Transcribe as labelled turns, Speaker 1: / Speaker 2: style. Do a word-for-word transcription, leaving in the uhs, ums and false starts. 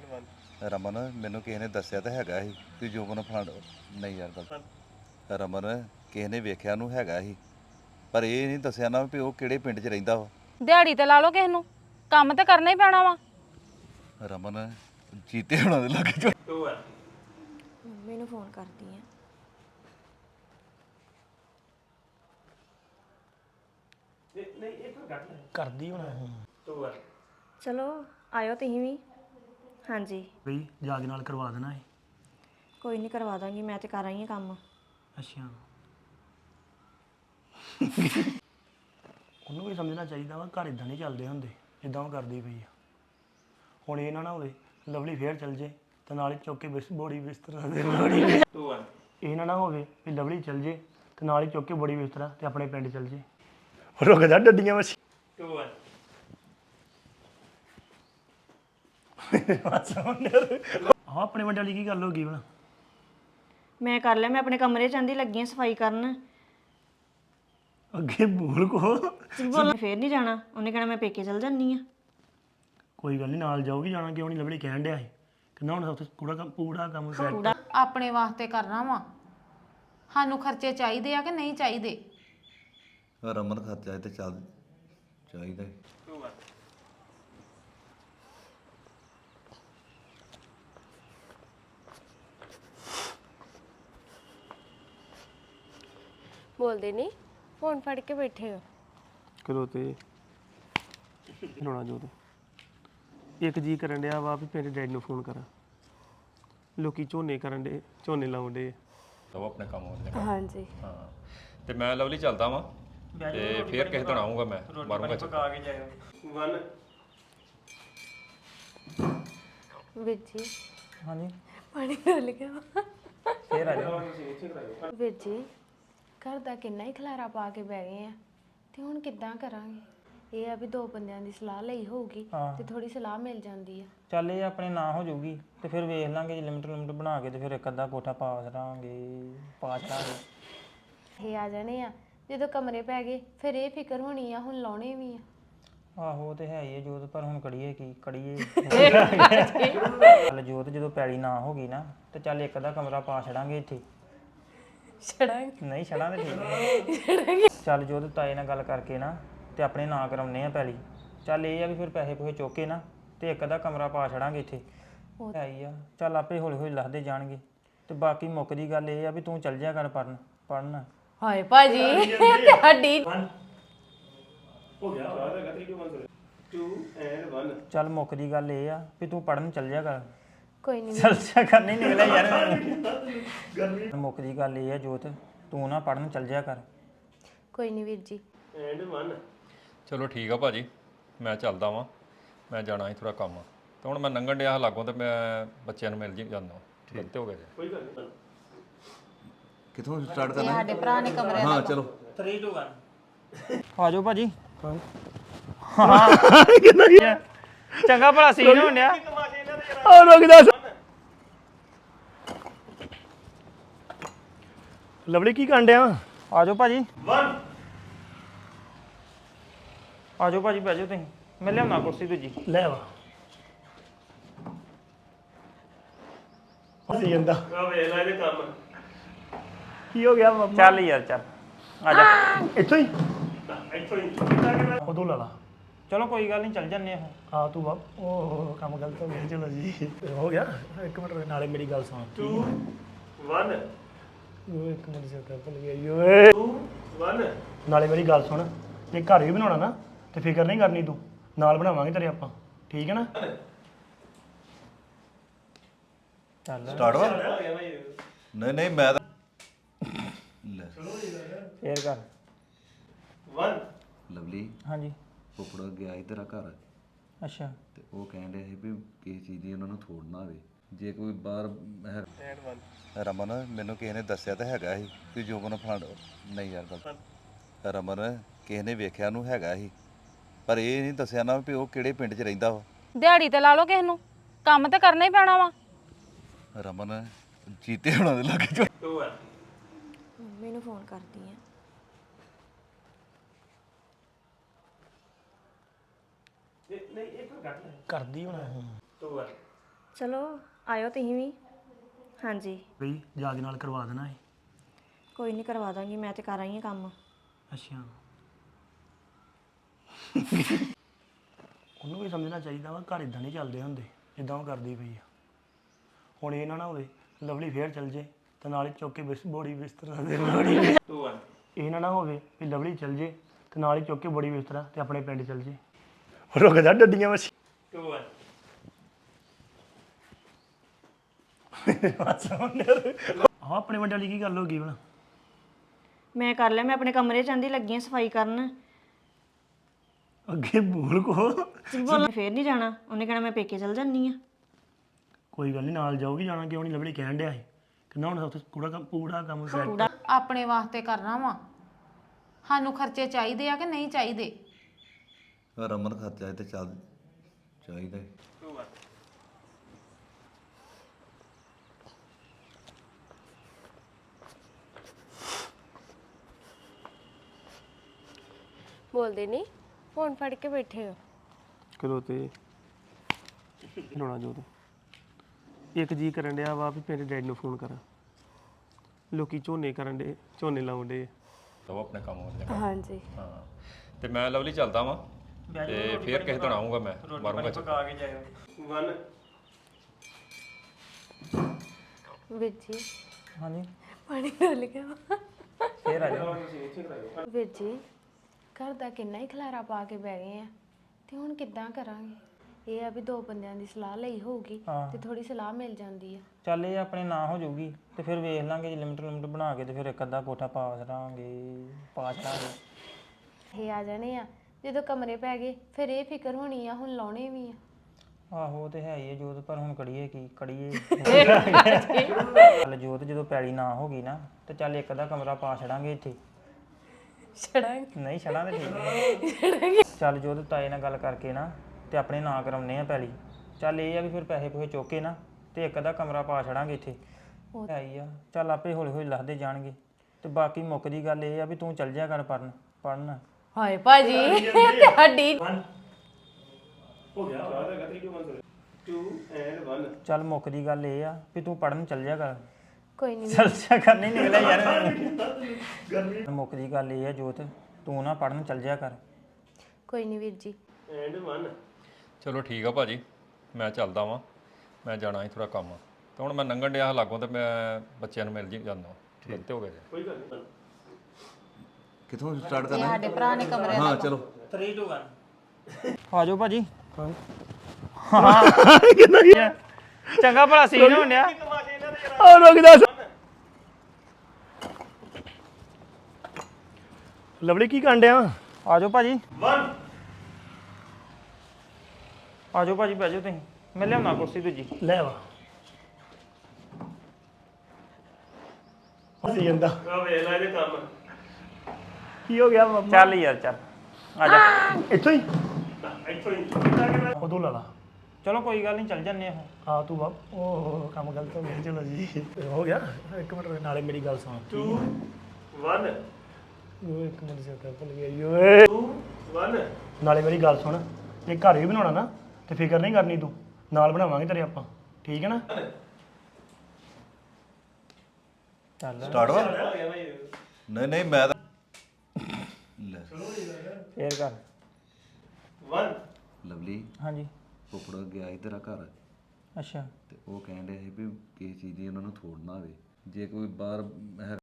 Speaker 1: ਰਮਨ ਮੈਨੂੰ ਕਿਸੇ ਨੇ ਦੱਸਿਆ ਤਾਂ ਹੈਗਾ ਸੀ ਕਿ ਜੋਬਨ ਫਲਾਣ ਨਹੀਂ ਯਾਰ ਗੱਲ ਰਮਨ ਕਿਸੇ ਨੇ ਵੇਖਿਆ ਨੂੰ ਹੈਗਾ ਸੀ ਪਰ ਇਹ ਨਹੀਂ ਦੱਸਿਆ ਨਾ ਵੀ ਉਹ ਕਿਹੜੇ ਪਿੰਡ 'ਚ ਰਹਿੰਦਾ ਵਾ।
Speaker 2: ਦਿਹਾੜੀ ਤੇ ਲਾ ਲਓ ਕਿਸੇ ਨੂੰ, ਕੰਮ ਤੇ ਕਰਨਾ ਹੀ ਪੈਣਾ ਵਾ।
Speaker 1: ਰਮਨ ਜੀਤੇ ਹੋਣਾ ਦੇ ਲੱਗੇ
Speaker 3: ਮੰਮੀ ਨੂੰ ਫੋਨ ਕਰਦੀ ਆ।
Speaker 4: ਕਰਦੀ ਹੋਣਾ
Speaker 3: ਚਲੋ ਆਇਓ ਤੁਸੀਂ ਵੀ। ਹਾਂਜੀ
Speaker 4: ਬਈ ਜਾਗ ਨਾਲ ਕਰਵਾ ਦੇਣਾ ਹੈ।
Speaker 3: ਕੋਈ ਨਹੀਂ ਕਰਵਾ ਦਾਂਗੀ, ਮੈਂ ਤੇ ਕਰ ਆਈ ਹਾਂ ਕੰਮ।
Speaker 4: ਅੱਛਾ ਉਹਨੂੰ ਵੀ ਸਮਝਣਾ ਚਾਹੀਦਾ ਵਾ, ਘਰ ਇਦਾਂ ਨਹੀਂ ਚੱਲਦੇ ਹੁੰਦੇ ਜਿੱਦਾਂ ਉਹ ਕਰਦੀ ਪਈ ਆ। ਹੁਣ ਇਹ ਨਾ ਨਾ ਹੋਵੇ ਲਵਲੀ ਫੇਰ ਚੱਲ ਜੇ ਤੇ ਨਾਲ ਹੀ ਚੁੱਕ ਕੇ ਬਿਸ ਬੋੜੀ ਬਿਸਤਰਾ ਦੇ ਬੋੜੀ ਇਹ ਨਾ ਨਾ ਹੋਵੇ ਵੀ ਲਵਲੀ ਚੱਲ ਜੇ ਤੇ ਨਾਲ ਹੀ ਚੁੱਕ ਕੇ ਬੋੜੀ ਬਿਸਤਰਾ ਤੇ ਆਪਣੇ ਪਿੰਡ ਚੱਲ ਜੇ। ਰੁਕ ਜਾ ਡੱਡੀਆਂ ਮੱਛੀ ਆਹ ਆਪਣੇ ਵੱਡੇ ਵਾਲੀ ਕੀ ਗੱਲ ਹੋ ਗਈ ਬਣਾ।
Speaker 3: ਮੈਂ ਕਰ ਲਿਆ, ਮੈਂ ਆਪਣੇ ਕਮਰੇ ਚ ਆਂਦੀ ਲੱਗੀ ਆਂ ਸਫਾਈ ਕਰਨ।
Speaker 4: ਅੱਗੇ ਬੋਲ ਕੋ
Speaker 3: ਬੋਲ ਫੇਰ ਨਹੀਂ ਜਾਣਾ, ਉਹਨੇ ਕਹਿਣਾ ਮੈਂ ਪੇਕੇ ਚਲ ਜਾਂਦੀ ਆ।
Speaker 4: ਕੋਈ ਗੱਲ ਨਹੀਂ ਨਾਲ ਜਾਊਗੀ, ਜਾਣਾ ਕਿਉਂ ਨਹੀਂ ਲਵਲੀ ਕਹਿਣ ਡਿਆ ਸੀ ਕਹਿੰਦਾ ਹੁਣ ਸਭ ਪੂਰਾ ਕੰਮ ਪੂਰਾ ਕੰਮ ਕਰ
Speaker 2: ਆਪਣੇ ਵਾਸਤੇ ਕਰਨਾ ਵਾ, ਸਾਨੂੰ ਖਰਚੇ ਚਾਹੀਦੇ ਆ ਕਿ ਨਹੀਂ ਚਾਹੀਦੇ।
Speaker 1: ਰਮਨ ਖਰਚਾ ਤੇ ਚੱਲ ਚਾਹੀਦਾ ਈ।
Speaker 5: ਬੋਲਦੇ ਨਹੀਂ, ਫੋਨ ਫੜ ਕੇ ਬੈਠੇ ਹੋ।
Speaker 4: ਕਦੋਂ ਤੇ ਰੋਣਾ ਜੋ ਇੱਕ ਜੀ ਕਰਨ ਡਿਆ ਵਾ ਵੀ ਮੇਰੇ ਡੈਡ ਨੂੰ ਫੋਨ ਕਰਾਂ। ਲੋਕੀ ਝੋਨੇ ਕਰਨ ਡੇ, ਝੋਨੇ ਲਾਉਣ ਡੇ।
Speaker 6: ਉਹ ਆਪਣੇ ਕੰਮ ਆਉਂਦੇ
Speaker 5: ਹਾਂਜੀ
Speaker 6: ਹਾਂ ਤੇ ਮੈਂ ਲਵਲੀ ਚੱਲਦਾ ਵਾਂ ਤੇ ਫੇਰ ਕਿਸੇ ਦਿਨ ਆਉਂਗਾ ਮੈਂ ਮਾਰੂੰਗਾ ਚੱਕਰ।
Speaker 5: ਵੀਰ ਜੀ
Speaker 4: ਹਾਂਜੀ
Speaker 5: ਪਾਣੀ ਡੁੱਲ ਗਿਆ ਵਾ।
Speaker 4: ਫੇਰ ਆ ਜਾ
Speaker 5: ਵੀਰ ਜੀ ਘਰ ਦਾ ਕਿੰਨਾ ਹੀ ਖਲਾਰਾ ਪਾ ਕੇ ਬਹਿ ਗਏ ਆ ਤੇ ਹੁਣ ਕਿੱਦਾਂ ਕਰਾਂਗੇ। ਇਹ ਆ ਵੀ ਦੋ ਬੰਦਿਆਂ ਦੀ ਸਲਾਹ ਲਈ ਹੋਊਗੀ ਤੇ ਥੋੜੀ ਸਲਾਹ ਮਿਲ ਜਾਂਦੀ ਆ।
Speaker 7: ਚੱਲ ਇਹ ਆਪਣੇ ਨਾਂ ਹੋ ਜਾਊਗੀ ਤੇ ਫਿਰ ਵੇਖ ਲਾਂਗੇ ਜੇ ਲਿਮਟ ਲਿਮਟ ਬਣਾ ਕੇ ਤੇ ਫਿਰ ਇੱਕ ਅੱਧਾ ਕੋਠਾ ਪਾ ਛੜਾਂਗੇ ਪਾ ਛੜਾਂਗੇ।
Speaker 5: ਇਹ ਆ ਜਾਣੇ ਆ ਜਦੋਂ ਕਮਰੇ ਪੈ ਗਏ ਫਿਰ ਇਹ ਫਿਕਰ ਹੋਣੀ ਆ ਹੁਣ ਲਾਉਣੇ ਵੀ ਆ।
Speaker 7: ਆਹੋ ਤੇ ਹੈ ਹੀ ਹੈ ਜੋਤ, ਪਰ ਹੁਣ ਕੜੀਏ ਕੀ ਕੜੀਏ ਚੱਲ ਜੋਤ ਜਦੋਂ ਪੈਲੀ ਨਾ ਹੋ ਗਈ ਨਾ ਤੇ ਚੱਲ ਇੱਕ ਅੱਧਾ ਕਮਰਾ ਪਾ ਛੜਾਂਗੇ ਇੱਥੇ।
Speaker 5: ਛੜਾਂਗੇ
Speaker 7: ਨਹੀਂ ਛੜਾਂ ਤੇ ਠੀਕ ਹੈ। ਚੱਲ ਜੋਤ ਤਾਏ ਨਾਲ ਗੱਲ ਕਰਕੇ ਨਾ ਤੇ ਆਪਣੇ ਨਾਂ ਕਰਾਉਣੇ ਆ ਪੈਲੀ। ਚੱਲ ਇਹ ਆ ਵੀ ਫਿਰ ਪੈਸੇ ਪੂਸੇ ਚੁੱਕ ਕੇ ਨਾ ਤੇ ਇੱਕ ਅੱਧਾ ਕਮਰਾ ਪਾ ਛੜਾਂਗੇ ਇੱਥੇ। ਹੈ ਹੀ ਆ ਚੱਲ ਆਪੇ ਹੌਲੀ ਹੌਲੀ ਲੱਥਦੇ ਜਾਣਗੇ। ਤੇ ਬਾਕੀ ਮੁੱਕ ਦੀ ਗੱਲ ਇਹ ਆ ਵੀ ਤੂੰ ਚੱਲ ਜਿਆ ਕਰ ਪੜਨ ਪੜਨ।
Speaker 5: ਹਾਏ ਭਾਜੀ ਤੁਹਾਡੀ
Speaker 7: ਚੱਲ ਮੁੱਕ ਦੀ ਗੱਲ ਇਹ ਆ ਵੀ ਤੂੰ ਪੜਨ ਚੱਲ ਜਿਆ ਕਰ।
Speaker 5: ਕੋਈ ਨਹੀਂ
Speaker 7: ਚੱਲ ਜਿਆ ਕਰ ਨਹੀਂ ਨਿਕਲਿਆ ਯਾਰ। ਮੁੱਕ ਦੀ ਗੱਲ ਇਹ ਆ ਜੋਤ ਤੂੰ ਨਾ ਪੜਨ ਚੱਲ ਜਿਆ ਕਰ।
Speaker 5: ਕੋਈ ਨਹੀਂ ਵੀਰ ਜੀ।
Speaker 6: ਚਲੋ ਠੀਕ ਆ ਭਾਜੀ, ਮੈਂ ਚੱਲਦਾ ਵਾਂ, ਮੈਂ ਜਾਣਾ ਸੀ ਥੋੜਾ ਕੰਮ ਤੇ ਹੁਣ ਮੈਂ ਲੰਘਣ ਡਿਆ ਲਾਗੋਂ ਤੇ ਮੈਂ ਬੱਚਿਆਂ ਨੂੰ ਮਿਲ ਜੀ ਜਾਂਦਾ। ਗਲਤ ਹੋ ਗਿਆ ਜੀ। ਕੋਈ ਗੱਲ ਨਹੀਂ।
Speaker 1: ਕਿੱਥੋਂ ਸਟਾਰਟ ਕਰਨਾ
Speaker 2: ਸਾਡੇ ਭਰਾ ਨੇ ਕਮਰੇ
Speaker 1: ਹਾਂ ਚਲੋ
Speaker 7: ਥ੍ਰੀ ਟੂ ਵਨ ਆ ਜਾਓ ਭਾਜੀ। ਚੰਗਾ ਭਲਾ ਸੀਨ ਹੋਣ ਡਿਆ।
Speaker 4: ਆ ਰੁਕ ਜਾ ਲਵਲੀ ਕੀ ਕਰਨ ਡਿਆ
Speaker 7: ਆ ਜਾਓ ਭਾਜੀ ਆ ਜਾਓ ਭਾਜੀ ਬਹਿ ਜਾਓ ਤੁਸੀਂ, ਮੈਂ ਲਿਆਉਣਾ ਕੁਰਸੀ ਦੂਜੀ।
Speaker 4: ਲੈ ਵਾ ਅਸੀਂ ਜਾਂਦਾ ਆ ਵੇਖ ਲੈ ਇਹਦੇ ਕੰਮ ਕੀ ਹੋ ਗਿਆ ਮੰਮਾ।
Speaker 7: ਚੱਲ ਯਾਰ ਚੱਲ ਆ ਜਾ।
Speaker 4: ਇੱਥੋਂ ਹੀ ਇੱਥੋਂ ਹੀ ਉਦੋਂ ਲਾ ਲਾ।
Speaker 7: ਚਲੋ ਕੋਈ ਗੱਲ ਨਹੀਂ ਚੱਲ ਜੰਨੇ ਆ।
Speaker 4: ਹਾਂ ਤੂੰ ਵਾ ਉਹ ਕੰਮ ਗਲਤ ਹੋ ਗਿਆ। ਚਲੋ ਜੀ ਹੋ ਗਿਆ। ਇੱਕ ਮਿੰਟ ਰੁਕ, ਨਾਲੇ ਮੇਰੀ ਗੱਲ ਸੁਣ। ਟੂ ਵਨ ਉਹ ਇੱਕ ਮਿੰਟ ਸੇ ਕਰ ਭੁੱਲ ਗਿਆ ਓਏ। ਟੂ ਵਨ ਨਾਲੇ ਮੇਰੀ ਗੱਲ ਸੁਣ, ਜੇ ਘਰ ਵੀ ਬਣਾਉਣਾ ਨਾ ਤੇ ਫਿਕਰ ਨਹੀਂ ਕਰਨੀ, ਤੂੰ ਨਾਲ ਬਣਾਵਾਂਗੇ ਤੇਰੇ ਆਪਾਂ, ਠੀਕ ਹੈ ਨਾ।
Speaker 7: ਚੱਲ
Speaker 1: ਸਟਾਰਟ ਵਾ ਨਹੀਂ ਨਹੀਂ ਮੈਂ ਤਾਂ ਲੈ
Speaker 7: ਫੇਰ ਕਰ।
Speaker 4: ਵਨ
Speaker 1: ਲਵਲੀ
Speaker 7: ਹਾਂਜੀ
Speaker 1: ਫੁੱਫੜ ਗਿਆ ਸੀ ਤੇਰਾ ਘਰ
Speaker 7: ਅੱਛਾ
Speaker 1: ਤੇ ਉਹ ਕਹਿਣ ਡਿਆ ਸੀ ਵੀ ਕਿਸੇ ਚੀਜ਼ ਦੀ ਉਹਨਾਂ ਨੂੰ ਥੋੜ ਨਾ ਆਵੇ ਜੇ ਕੋਈ ਬਾਹਰ ਹੈ- ਰਮਨ ਮੈਨੂੰ ਕਿਸੇ ਨੇ ਦੱਸਿਆ ਤਾਂ ਹੈਗਾ ਸੀ ਕਿ ਜੋਬਨ ਫਲਾਣ ਨਹੀਂ ਯਾਰ ਗੱਲ ਰਮਨ ਕਿਸੇ ਨੇ ਵੇਖਿਆ ਨੂੰ ਹੈਗਾ ਸੀ ਪਰ ਇਹ ਨਹੀਂ ਦੱਸਿਆ ਨਾ ਵੀ ਉਹ ਕਿਹੜੇ ਪਿੰਡ 'ਚ ਰਹਿੰਦਾ ਵਾ।
Speaker 2: ਦਿਹਾੜੀ ਤੇ ਲਾ ਲਓ ਕਿਸੇ ਨੂੰ, ਕੰਮ ਤੇ ਕਰਨਾ ਹੀ ਪੈਣਾ ਵਾ।
Speaker 1: ਰਮਨ ਜੀਤੇ ਹੋਣਾ ਦੇ ਲੱਗੇ
Speaker 3: ਮੰਮੀ ਨੂੰ ਫੋਨ ਕਰਦੀ ਆ।
Speaker 4: ਕਰਦੀ ਹੋਣਾ
Speaker 3: ਚਲੋ ਆਇਓ ਤੁਸੀਂ ਵੀ ਹਾਂਜੀ
Speaker 4: ਬਈ ਜਾ ਕੇ ਨਾਲ ਕਰਵਾ ਦੇਣਾ ਹੈ।
Speaker 3: ਕੋਈ ਨਹੀਂ ਕਰਵਾ ਦਾਂਗੀ ਮੈਂ ਤੇ ਕਰ ਆਈ ਹਾਂ ਕੰਮ
Speaker 4: ਅੱਛਾ ਉਹਨੂੰ ਵੀ ਸਮਝਣਾ ਚਾਹੀਦਾ ਵਾ ਘਰ ਇਦਾਂ ਨਹੀਂ ਚੱਲਦੇ ਹੁੰਦੇ ਜਿੱਦਾਂ ਉਹ ਕਰਦੀ ਪਈ ਆ। ਹੁਣ ਇਹ ਨਾ ਨਾ ਹੋਵੇ ਲਵਲੀ ਫੇਰ ਚੱਲ ਜੇ ਤੇ ਨਾਲ ਹੀ ਚੁੱਕ ਕੇ ਬਿਸ ਬੋੜੀ ਬਿਸਤਰਾ ਦੇ ਬੋੜੀ ਇਹ ਨਾ ਨਾ ਹੋਵੇ ਵੀ ਲਵਲੀ ਚੱਲ ਜੇ ਤੇ ਨਾਲ ਹੀ ਚੁੱਕ ਕੇ ਬੋੜੀ ਬਿਸਤਰਾ ਤੇ ਆਪਣੇ ਪਿੰਡ ਚੱਲ ਜੇ ਰੁਕ ਜਾ ਡੱਡੀਆਂ ਵਿੱਚ ਹਾਂ ਆਪਣੇ ਵੱਡੇ ਵਾਲੀ ਕੀ ਗੱਲ ਹੋ ਗਈ ਹੁਣ
Speaker 3: ਮੈਂ ਕਰ ਲਿਆ ਮੈਂ ਆਪਣੇ ਕਮਰੇ ਚ ਆਂਦੀ ਲੱਗੀ ਆਂ ਸਫਾਈ ਕਰਨ
Speaker 4: ਅੱਗੇ ਬੋਲ ਕੋ
Speaker 3: ਬੋਲ ਫੇਰ ਨਹੀਂ ਜਾਣਾ ਉਹਨੇ ਕਹਿਣਾ ਮੈਂ ਪੇਕੇ ਚਲ ਜਾਂਦੀ ਆ
Speaker 4: ਕੋਈ ਗੱਲ ਨਹੀਂ ਨਾਲ ਜਾਊਗੀ ਜਾਣਾ ਕਿਉਂ ਨਹੀਂ ਲਵਲੀ ਕਹਿਣ ਡਿਆ ਸੀ ਕਹਿੰਦਾ ਹੁਣ ਸਭ ਤੋਂ ਪੂਰਾ ਕੰਮ ਪੂਰਾ ਕੰਮ set
Speaker 2: ਆਪਣੇ ਵਾਸਤੇ ਕਰਨਾ ਵਾ ਸਾਨੂੰ ਖਰਚੇ ਚਾਹੀਦੇ ਆ ਕਿ ਨਹੀਂ ਚਾਹੀਦੇ
Speaker 1: ਰਮਨ ਖਰਚਾ ਤੇ ਚੱਲ ਚਾਹੀਦਾ ਈ।
Speaker 5: ਬੋਲਦੇ ਨਹੀਂ ਫੋਨ ਫੜ ਕੇ ਬੈਠੇ ਹੋ
Speaker 4: ਕਰੋ ਤੇ ਰੋਣਾ ਜੋ ਤੂੰ ਇੱਕ ਜੀ ਕਰਨ ਡਿਆ ਵਾ ਵੀ ਮੇਰੇ ਡੈਡੀ ਨੂੰ ਫੋਨ ਕਰਾਂ ਲੋਕੀ ਝੋਨੇ ਕਰਨ ਡੇ ਝੋਨੇ ਲਾਉਣ ਡੇ
Speaker 6: ਉਹ ਆਪਣੇ ਕੰਮ ਹੋ ਜਾਏਗਾ
Speaker 5: ਹਾਂਜੀ
Speaker 6: ਹਾਂ ਤੇ ਮੈਂ ਲਵਲੀ ਚੱਲਦਾ ਵਾਂ ਤੇ ਫੇਰ ਕਿਸੇ ਦਿਨ ਆਉਂਗਾ ਮੈਂ ਮਾਰੂੰਗਾ ਚੱਕਰ।
Speaker 4: ਪਕਾ ਕੇ ਜਾਇਓ ਵਨ
Speaker 5: ਵੀਰ ਜੀ
Speaker 7: ਹਾਂਜੀ
Speaker 5: ਪਾਣੀ ਡੋਲ ਗਿਆ ਵਾ।
Speaker 7: ਫੇਰ ਆ ਜਾਓ
Speaker 5: ਵੀਰ ਜੀ ਘਰ ਦਾ ਕਿੰਨਾ ਹੀ ਖਲਾਰਾ ਪਾ ਕੇ ਬਹਿ ਗਏ ਆ ਤੇ ਹੁਣ ਕਿੱਦਾਂ ਕਰਾਂਗੇ ਇਹ ਆ ਵੀ ਦੋ ਬੰਦਿਆਂ ਦੀ ਸਲਾਹ ਲਈ ਹੋਊਗੀ ਤੇ ਥੋੜੀ ਸਲਾਹ ਮਿਲ ਜਾਂਦੀ ਆ
Speaker 7: ਚੱਲ ਇਹ ਆਪਣੇ ਨਾਂ ਹੋ ਜਾਊਗੀ ਤੇ ਫਿਰ ਵੇਖ ਲਾਂਗੇ ਜੇ ਲਿਮਟ ਲਿਮਟ ਬਣਾ ਕੇ ਤੇ ਫਿਰ ਇੱਕ ਅੱਧਾ ਕੋਠਾ ਪਾ ਛੜਾਂਗੇ ਪਾ ਛੜਾਂਗੇ
Speaker 5: ਇਹ ਆ ਜਾਣੇ ਆ ਜਦੋਂ ਕਮਰੇ ਪੈ ਗਏ ਫਿਰ ਇਹ ਫਿਕਰ ਹੋਣੀ ਆ ਹੁਣ ਲਾਉਣੇ ਵੀ ਆ
Speaker 7: ਆਹੋ ਉਹ ਤੇ ਹੈ ਹੀ ਹੈ ਜੋਤ ਪਰ ਹੁਣ ਕੜੀਏ ਕੀ ਕੜੀਏ ਚੱਲ ਜੋਤ ਜਦੋਂ ਪੈਲੀ ਨਾ ਹੋ ਗਈ ਨਾ ਤੇ ਚੱਲ ਇੱਕ ਅੱਧਾ ਕਮਰਾ ਪਾ ਛੜਾਂਗੇ ਇੱਥੇ
Speaker 5: ਛੜਾਂਗੇ
Speaker 7: ਨਹੀਂ ਛੜਾਂਗੇ ਠੀਕ ਹੈ ਚੱਲ ਜੋਤ ਤਾਏ ਨਾਲ ਗੱਲ ਕਰਕੇ ਨਾ ਤੇ ਆਪਣੇ ਨਾਂ ਕਰਾਉਣੇ ਆ ਪੈਲੀ ਚੱਲ ਇਹ ਆ ਵੀ ਫਿਰ ਪੈਸੇ ਪੂਸੇ ਚੁੱਕ ਕੇ ਨਾ ਤੇ ਇੱਕ ਅੱਧਾ ਕਮਰਾ ਪਾ ਛੜਾਂਗੇ ਇੱਥੇ ਹੈ ਹੀ ਆ ਚੱਲ ਆਪੇ ਹੌਲੀ ਹੌਲੀ ਲੱਥਦੇ ਜਾਣਗੇ ਤੇ ਬਾਕੀ ਮੁੱਕ ਦੀ ਗੱਲ ਇਹ ਆ ਵੀ ਤੂੰ ਚੱਲ ਜਾ ਕਰ ਪੜਨ ਪੜਨ
Speaker 5: ਹਾਏ ਭਾਜੀ ਤੁਹਾਡੀ
Speaker 4: ਹੋ ਗਿਆ two and one
Speaker 7: ਚੱਲ ਮੁੱਕ ਦੀ ਗੱਲ ਇਹ ਆ ਵੀ ਤੂੰ ਪੜਨ ਚੱਲ ਜਾ ਕਰ
Speaker 5: ਕੋਈ ਨਹੀਂ
Speaker 7: ਚੱਲ ਜਾ ਕਰ ਨਹੀਂ ਨਿਕਲਿਆ ਯਾਰ ਮੁੱਕ ਦੀ ਗੱਲ ਇਹ ਆ ਜੋਤ ਤੂੰ ਨਾ ਪੜਨ ਚੱਲ ਜਾ ਕਰ
Speaker 5: ਕੋਈ ਨਹੀਂ ਵੀਰ ਜੀ
Speaker 4: and one
Speaker 6: ਚਲੋ ਠੀਕ ਆ ਭਾਜੀ ਮੈਂ ਚੱਲਦਾ ਵਾਂ ਮੈਂ ਜਾਣਾ ਸੀ ਥੋੜਾ ਕੰਮ ਤੇ ਹੁਣ ਮੈਂ ਲੰਘਣ ਡਿਆ ਲਾਗੋਂ ਤੇ ਮੈਂ ਬੱਚਿਆਂ ਨੂੰ ਮਿਲ ਜੀ ਜਾਂਦਾ ਗਲਤੀ ਹੋ ਗਿਆ ਜੀ
Speaker 4: ਕੋਈ ਗੱਲ ਨਹੀਂ
Speaker 1: ਕਿੱਥੋਂ ਸਟਾਰਟ ਕਰਨਾ
Speaker 2: ਸਾਡੇ ਭਰਾ ਨੇ ਕਮਰੇ
Speaker 1: ਹਾਂ ਚਲੋ
Speaker 7: three two one ਆ ਜਾਓ ਭਾਜੀ ਚੰਗਾ ਭਲਾ ਸੀਨ ਹੋਣ ਡਿਆ
Speaker 4: ਆ ਰੁਕ ਜਾ ਲਵਲੀ ਕੀ ਕਰਨ ਡਿਆ
Speaker 7: ਆ ਜਾਓ ਭਾਜੀ
Speaker 4: one
Speaker 7: ਆ ਜਾਓ ਭਾਜੀ ਬਹਿ ਜਾਓ ਤੁਸੀਂ ਮੈਂ ਲਿਆਉਣਾ ਕੁਰਸੀ ਦੂਜੀ
Speaker 4: ਲੈ ਆ ਅਸੀਂ ਜਾਂਦਾ ਆ ਵੇਖ ਲੈ ਇਹਦੇ ਕੰਮ ਕੀ ਹੋ ਗਿਆ ਮੰਮਾ
Speaker 7: ਚੱਲ ਯਾਰ ਚੱਲ ਆ ਜਾ
Speaker 4: ਇੱਥੋਂ ਹੀ ਇੱਥੋਂ ਹੀ ਉਦੋਂ ਲਾ ਲਾ
Speaker 7: ਚਲੋ ਕੋਈ ਗੱਲ ਨਹੀਂ ਚੱਲ ਜੰਨੇ ਆ
Speaker 4: ਆ ਤੂੰ ਬਾਪ ਉਹ ਕੰਮ ਗਲਤ ਹੋ ਗਿਆ ਚਲੋ ਜੀ ਹੋ ਗਿਆ ਇੱਕ ਮਿੰਟ ਰੁਕ, ਨਾਲੇ ਮੇਰੀ ਗੱਲ ਸੁਣ two one ਉਹ ਇੱਕ ਮਿੰਟ ਸੇ ਕਰ ਭੁੱਲ ਗਿਆ ਓਏ two one ਨਾਲੇ ਮੇਰੀ ਗੱਲ ਸੁਣ ਜੇ ਘਰ ਵੀ ਬਣਾਉਣਾ ਨਾ ਤੇ ਫਿਕਰ ਨਹੀਂ ਕਰਨੀ ਤੂੰ ਨਾਲ ਬਣਾਵਾਂਗੇ ਤੇਰੇ ਆਪਾਂ ਠੀਕ ਹੈ ਨਾ
Speaker 7: ਚੱਲ
Speaker 1: ਸਟਾਰਟ ਵਾ ਨਹੀਂ ਨਹੀਂ ਮੈਂ ਤਾਂ ਲੈ
Speaker 7: ਫੇਰ ਕਰ
Speaker 4: one
Speaker 1: ਲਵਲੀ
Speaker 7: ਹਾਂਜੀ
Speaker 1: ਫੁੱਫੜ ਗਿਆ ਸੀ ਤੇਰਾ ਘਰ
Speaker 7: ਅੱਛਾ
Speaker 1: ਤੇ ਉਹ ਕਹਿਣ ਡਿਆ ਸੀ ਵੀ ਕਿਸੇ ਚੀਜ਼ ਦੀ ਉਹਨਾਂ ਨੂੰ ਥੋੜ ਨਾ ਹੋਵੇ ਜੇ ਕੋਈ ਬਾਹਰ ਹੈ